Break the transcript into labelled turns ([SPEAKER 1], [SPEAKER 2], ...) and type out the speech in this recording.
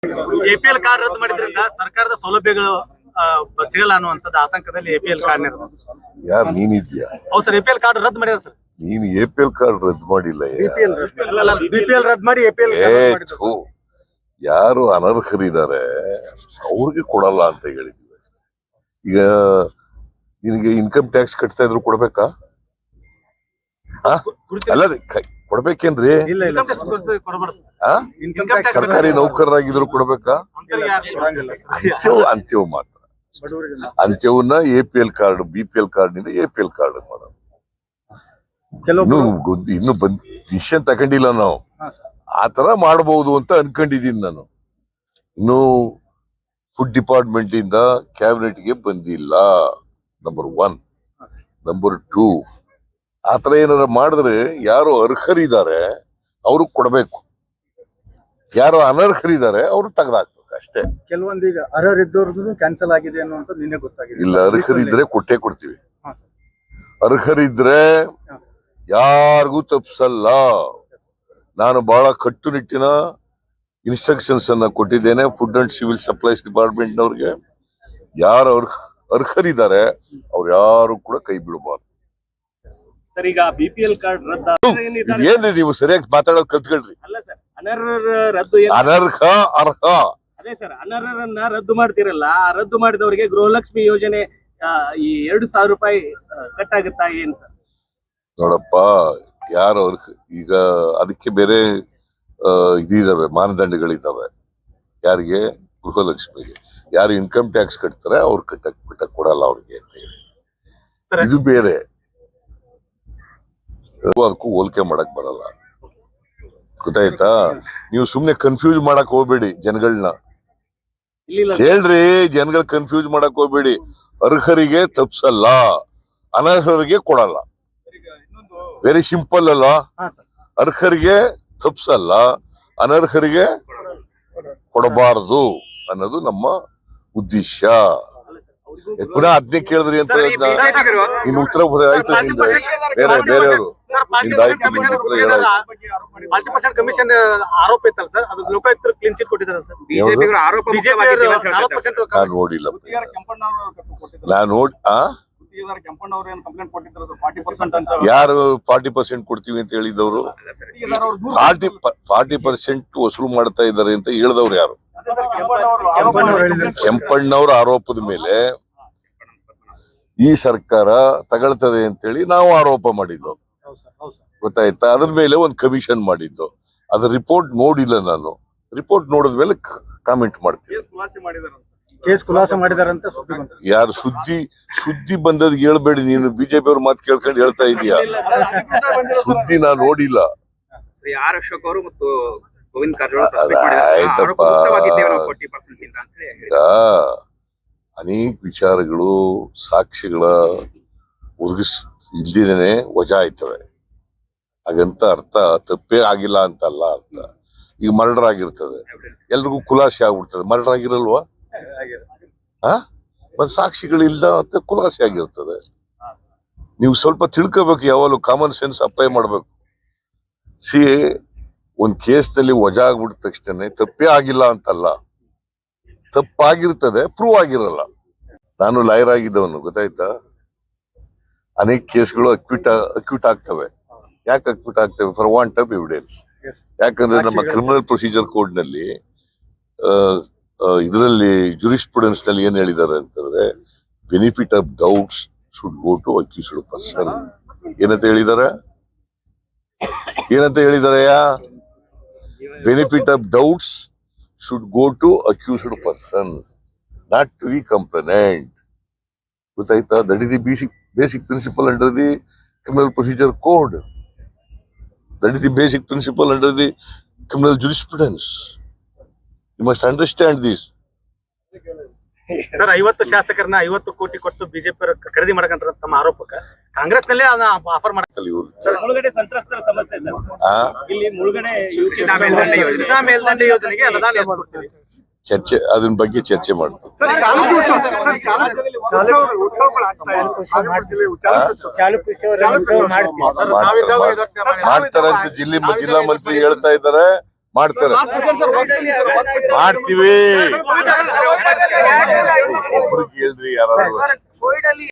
[SPEAKER 1] APL card ರದ್ದು ಮಾಡಿದ್ರಿಂದ ಸರ್ಕಾರದ ಸೌಲಭ್ಯಗಳು ಸಿಗಲ್ಲ ಅನ್ನುವಂಥದ್ದು ಆತಂಕದಲ್ಲಿ ಎಪಿಎಲ್ ಕಾರ್ಡ್
[SPEAKER 2] ಯಾರು ನೀನಿದ್ಯಾ?
[SPEAKER 1] ಹೌದು ಸರ್, ಎಪಿಎಲ್ ಕಾರ್ಡ್ ರದ್ದು ಮಾಡಿದ್ರು ಸರ್.
[SPEAKER 2] ನೀನು ಎಪಿಎಲ್ ಕಾರ್ಡ್ ರದ್ದು ಮಾಡಿಲ್ಲ.
[SPEAKER 1] ಬಿಪಿಎಲ್ ರದ್ದು ಮಾಡಿ ಎಪಿಎಲ್
[SPEAKER 2] ಯಾರು ಅನರ್ಹರಿದ್ದಾರೆ ಅವ್ರಿಗೆ ಕೊಡಲ್ಲ ಅಂತ ಹೇಳಿದ್ವಿ. ಈಗ ನಿನಗೆ ಇನ್ಕಮ್ ಟ್ಯಾಕ್ಸ್ ಕಟ್ತಾ ಇದ್ರು ಕೊಡ್ಬೇಕಾ? ಅಲ್ಲ ಕೊಡ್ಬೇಕೇನ್ರಿ? ಸರ್ಕಾರಿ ನೌಕರರಾಗಿದ್ರು ಕೊಡ್ಬೇಕಾ? ಅಂತ್ಯವು ಮಾತ್ರ. ಅಂತ್ಯವನ್ನ ಎಪಿಎಲ್ ಕಾರ್ಡ್ ಬಿಪಿಎಲ್ ಕಾರ್ಡ್ ನಿಂದ ಎಪಿಎಲ್ ಕಾರ್ಡ್ ಮಾಡೋದು. ಇನ್ನು ಡಿಸಿಷನ್ ತಗೊಂಡಿಲ್ಲ ನಾವು. ಆತರ ಮಾಡಬಹುದು ಅಂತ ಅನ್ಕೊಂಡಿದೀನಿ ನಾನು. ಇನ್ನು ಫುಡ್ ಡಿಪಾರ್ಟ್ಮೆಂಟ್ ಇಂದ ಕ್ಯಾಬಿನೆಟ್ಗೆ ಬಂದಿಲ್ಲ, ನಂಬರ್ 1. ನಂಬರ್ 2, ಆತರ ಏನಾರ ಮಾಡಿದ್ರೆ ಯಾರು ಅರ್ಹರಿದ್ದಾರೆ ಅವ್ರಿಗೆ ಕೊಡ್ಬೇಕು, ಯಾರು ಅನರ್ಹರಿದ್ದಾರೆ ಅವ್ರು ತೆಗೆದಾಕ್ಬೇಕು ಅಷ್ಟೇ.
[SPEAKER 3] ಕೆಲವೊಂದೀಗ ಅರ್ಹರಿದ್ದವ್ರದ್ದು ಕ್ಯಾನ್ಸಲ್ ಆಗಿದೆ ಅನ್ನುವಂತ ನಿನ್ನೆ ಗೊತ್ತಾಗಿದೆ.
[SPEAKER 2] ಇಲ್ಲ, ಅರ್ಹರಿದ್ರೆ ಕೊಟ್ಟೇ ಕೊಡ್ತೀವಿ. ಅರ್ಹರಿದ್ರೆ ಯಾರಿಗೂ ತಪ್ಪಿಸಲ್ಲ. ನಾನು ಬಹಳ ಕಟ್ಟುನಿಟ್ಟಿನ ಇನ್ಸ್ಟ್ರಕ್ಷನ್ಸ್ ಅನ್ನ ಕೊಟ್ಟಿದ್ದೇನೆ food and civil supplies department ನವ್ರಿಗೆ. ಯಾರು ಅರ್ಹರಿದ್ದಾರೆ ಅವ್ರು ಯಾರು ಕೂಡ ಕೈ ಬಿಡಬಾರ್ದು. ಏನ್ರಿ ನೀವು ಸರಿಯಾಗಿ ಮಾತಾಡೋದು ಕಲ್ತ್ಕೊಳ್ರಿ. ಅನರ್ಹ ಅರ್ಹ
[SPEAKER 1] ಅದೇ ಸರ್, ಅನರ್ಹರನ್ನ ರದ್ದು ಮಾಡ್ತಿರಲ್ಲ, ರದ್ದು ಮಾಡಿದವರಿಗೆ ಗೃಹಲಕ್ಷ್ಮಿ ಯೋಜನೆ ಈ 2,000 ರೂಪಾಯಿ ಕಟ್ ಆಗುತ್ತಾ ಏನ್ ಸರ್?
[SPEAKER 2] ನೋಡಪ್ಪ, ಯಾರು ಈಗ ಅದಕ್ಕೆ ಬೇರೆ ಇದಿದಾವೆ, ಮಾನದಂಡಗಳಿದ್ದಾವೆ. ಯಾರಿಗೆ? ಗೃಹಲಕ್ಷ್ಮಿಗೆ. ಯಾರು ಇನ್ಕಮ್ ಟ್ಯಾಕ್ಸ್ ಕಟ್ತಾರೆ ಅವ್ರು ಕಟ್ಟಕ್ ಕೊಡಲ್ಲ ಅವ್ರಿಗೆ ಅಂತ ಹೇಳಿ. ಇದು ಬೇರೆ, ಅದಕ್ಕೂ ಹೋಲಿಕೆ ಮಾಡಕ್ ಬರಲ್ಲ. ಗೊತ್ತಾಯ್ತಾ? ನೀವು ಸುಮ್ನೆ ಕನ್ಫ್ಯೂಸ್ ಮಾಡಕ್ ಹೋಗ್ಬೇಡಿ ಜನಗಳನ್ನ. ಕೇಳ್ರಿ, ಜನಗಳು ಕನ್ಫ್ಯೂಸ್ ಮಾಡಕ್ ಹೋಗ್ಬೇಡಿ. ಅರ್ಹರಿಗೆ ತಪ್ಸಲ್ಲ, ಅನರ್ಹರಿಗೆ ಕೊಡಲ್ಲ. ವೆರಿ ಸಿಂಪಲ್ ಅಲ್ವಾ? ಅರ್ಹರಿಗೆ ತಪ್ಸಲ್ಲ, ಅನರ್ಹರಿಗೆ ಕೊಡಬಾರದು ಅನ್ನೋದು ನಮ್ಮ ಉದ್ದೇಶ. ಪುನಃ ಅದನ್ನೇ ಕೇಳಿದ್ರಿ ಅಂತ ಇನ್ನು ಉತ್ತರ ಆಯ್ತು. ಬೇರೆಯವರು
[SPEAKER 1] ಕಮಿಷನ್ ಆರೋಪ ಇತ್ತಲ್ಲ ಸರ್, ಅದು ಲೋಕಾಯುಕ್ತರು ಕ್ಲೀನ್ ಚಿಟ್ ಕೊಟ್ಟಿದ್ದಾರೆ ಸರ್.
[SPEAKER 2] ನಾನು ನೋಡಿಲ್ಲ. ನಾನು ಯಾರು 40% ಕೊಡ್ತೀವಿ ಅಂತ ಹೇಳಿದವರು? 40% ವಸೂಲು ಮಾಡ್ತಾ ಇದ್ದಾರೆ ಅಂತ ಹೇಳಿದವ್ರು ಯಾರು? ಕೆಂಪಣ್ಣವ್ರ ಆರೋಪದ ಮೇಲೆ ಈ ಸರ್ಕಾರ ತಗೊಳ್ತದೆ ಅಂತೇಳಿ ನಾವು ಆರೋಪ ಮಾಡಿದ್ದು. ಗೊತ್ತಾಯ್ತಾ? ಅದ್ರ ಮೇಲೆ ಒಂದು ಕಮಿಷನ್ ಮಾಡಿದ್ದು. ಅದ್ರ ರಿಪೋರ್ಟ್ ನೋಡಿಲ್ಲ ನಾನು. ರಿಪೋರ್ಟ್ ನೋಡಿದ್ಮೇಲೆ ಕಾಮೆಂಟ್ ಮಾಡ್ತೀನಿ.
[SPEAKER 3] ಕೇಸ್ ಖುಲಾಸೆ ಮಾಡಿದಾರಂತ
[SPEAKER 2] ಯಾರು ಸುದ್ದಿ ಬಂದದ್ ಹೇಳ್ಬೇಡಿ. ನೀನು ಬಿಜೆಪಿ ಅವ್ರ ಮಾತು ಕೇಳ್ಕೊಂಡು ಹೇಳ್ತಾ ಇದೀಯಾ? ಸುದ್ದಿ ನಾ ನೋಡಿಲ್ಲ.
[SPEAKER 4] ಆರ್ ಅಶೋಕ್ ಅವರು ಮತ್ತು ಗೋವಿಂದ್ ಕಾರಜೋಳ
[SPEAKER 2] ಆಯ್ತಪ್ಪ. ಅನೇಕ ವಿಚಾರಗಳು ಸಾಕ್ಷಿಗಳ ಇಲ್ದಿದ್ದೇನೆ ವಜಾ ಆಯ್ತವೆ. ಹಾಗಂತ ಅರ್ಥ ತಪ್ಪೇ ಆಗಿಲ್ಲ ಅಂತಲ್ಲ ಅರ್ಥ. ಈಗ ಮರ್ಡರ್ ಆಗಿರ್ತದೆ, ಎಲ್ರಿಗೂ ಖುಲಾಸೆ ಆಗ್ಬಿಡ್ತದೆ. ಮರ್ಡರ್ ಆಗಿರಲ್ವಾ? ಒಂದ್ ಸಾಕ್ಷಿಗಳಿಲ್ದ ಅಂತ ಖುಲಾಸೆ ಆಗಿರ್ತದೆ. ನೀವು ಸ್ವಲ್ಪ ತಿಳ್ಕೋಬೇಕು, ಯಾವಾಗಲೂ ಕಾಮನ್ ಸೆನ್ಸ್ ಅಪ್ಲೈ ಮಾಡ್ಬೇಕು. ಒಂದ್ ಕೇಸ್ನಲ್ಲಿ ವಜಾ ಆಗ್ಬಿಟ್ಟ ತಕ್ಷಣ ತಪ್ಪೇ ಆಗಿಲ್ಲ ಅಂತಲ್ಲ, ತಪ್ಪಾಗಿರ್ತದೆ, ಪ್ರೂವ್ ಆಗಿರಲ್ಲ. ನಾನು ಲಾಯರ್ ಆಗಿದ್ದವನು, ಗೊತ್ತಾಯ್ತಾ? ಅನೇಕ ಕೇಸ್ಗಳು ಅಕ್ಯೂಟ್ ಆಗ್ತವೆ. ಯಾಕೆ ಅಕ್ಯೂಟ್ ಆಗ್ತವೆ? For want of evidence. ಯಾಕಂದ್ರೆ ನಮ್ಮ ಕ್ರಿಮಿನಲ್ ಪ್ರೊಸೀಜರ್ ಕೋಡ್ ನಲ್ಲಿ ಇದರಲ್ಲಿ ಜುರಿಸ್ಪ್ರುಡೆನ್ಸ್ ನಲ್ಲಿ ಏನ್ ಹೇಳಿದ್ದಾರೆ ಅಂತಂದ್ರೆ, benefit of doubts should go to accused person. ಏನಂತ ಹೇಳಿದ್ದಾರೆ? Benefit of doubts should go to accused persons, not to the complainant. ಗೊತ್ತಾಯ್ತಾ? That is the basic principle under the criminal procedure code. That is the basic principle under the criminal jurisprudence. You must understand this.
[SPEAKER 1] Sir, 50 ಶಾಸಕರನ್ನ 50 ಕೋಟಿ ಕೊಟ್ಟು BJP ಖರೀದಿ ಮಾಡಕಂತ ತಮ್ಮ ಆರೋಪಕ್ಕೆ ಕಾಂಗ್ರೆಸ್ ನಲ್ಲೇ offer ಮಾಡ್ತಾರೆ. ಮುಳುಗಡೆ ಸಂತ್ರಸ್ತರ ಸಮಸ್ಯೆ ಸರ್, ಇಲ್ಲಿ ಮುಳುಗಡೆ ಮೇಲ್ದಂಡೆ ಯೋಜನೆಗೆ ಅನುದಾನ
[SPEAKER 2] ಚರ್ಚೆ, ಅದನ್ನ ಬಗ್ಗೆ ಚರ್ಚೆ ಮಾಡ್ತೀವಿ. ಮಾಡ್ತಾರಂತ ಜಿಲ್ಲಾ ಮಂತ್ರಿ ಹೇಳ್ತಾ ಇದ್ದಾರೆ. ಮಾಡ್ತಾರೆ. ಮಾಡ್ತೀವಿ. ಒಬ್ರು ಕೇಳ್ರಿ ಯಾರು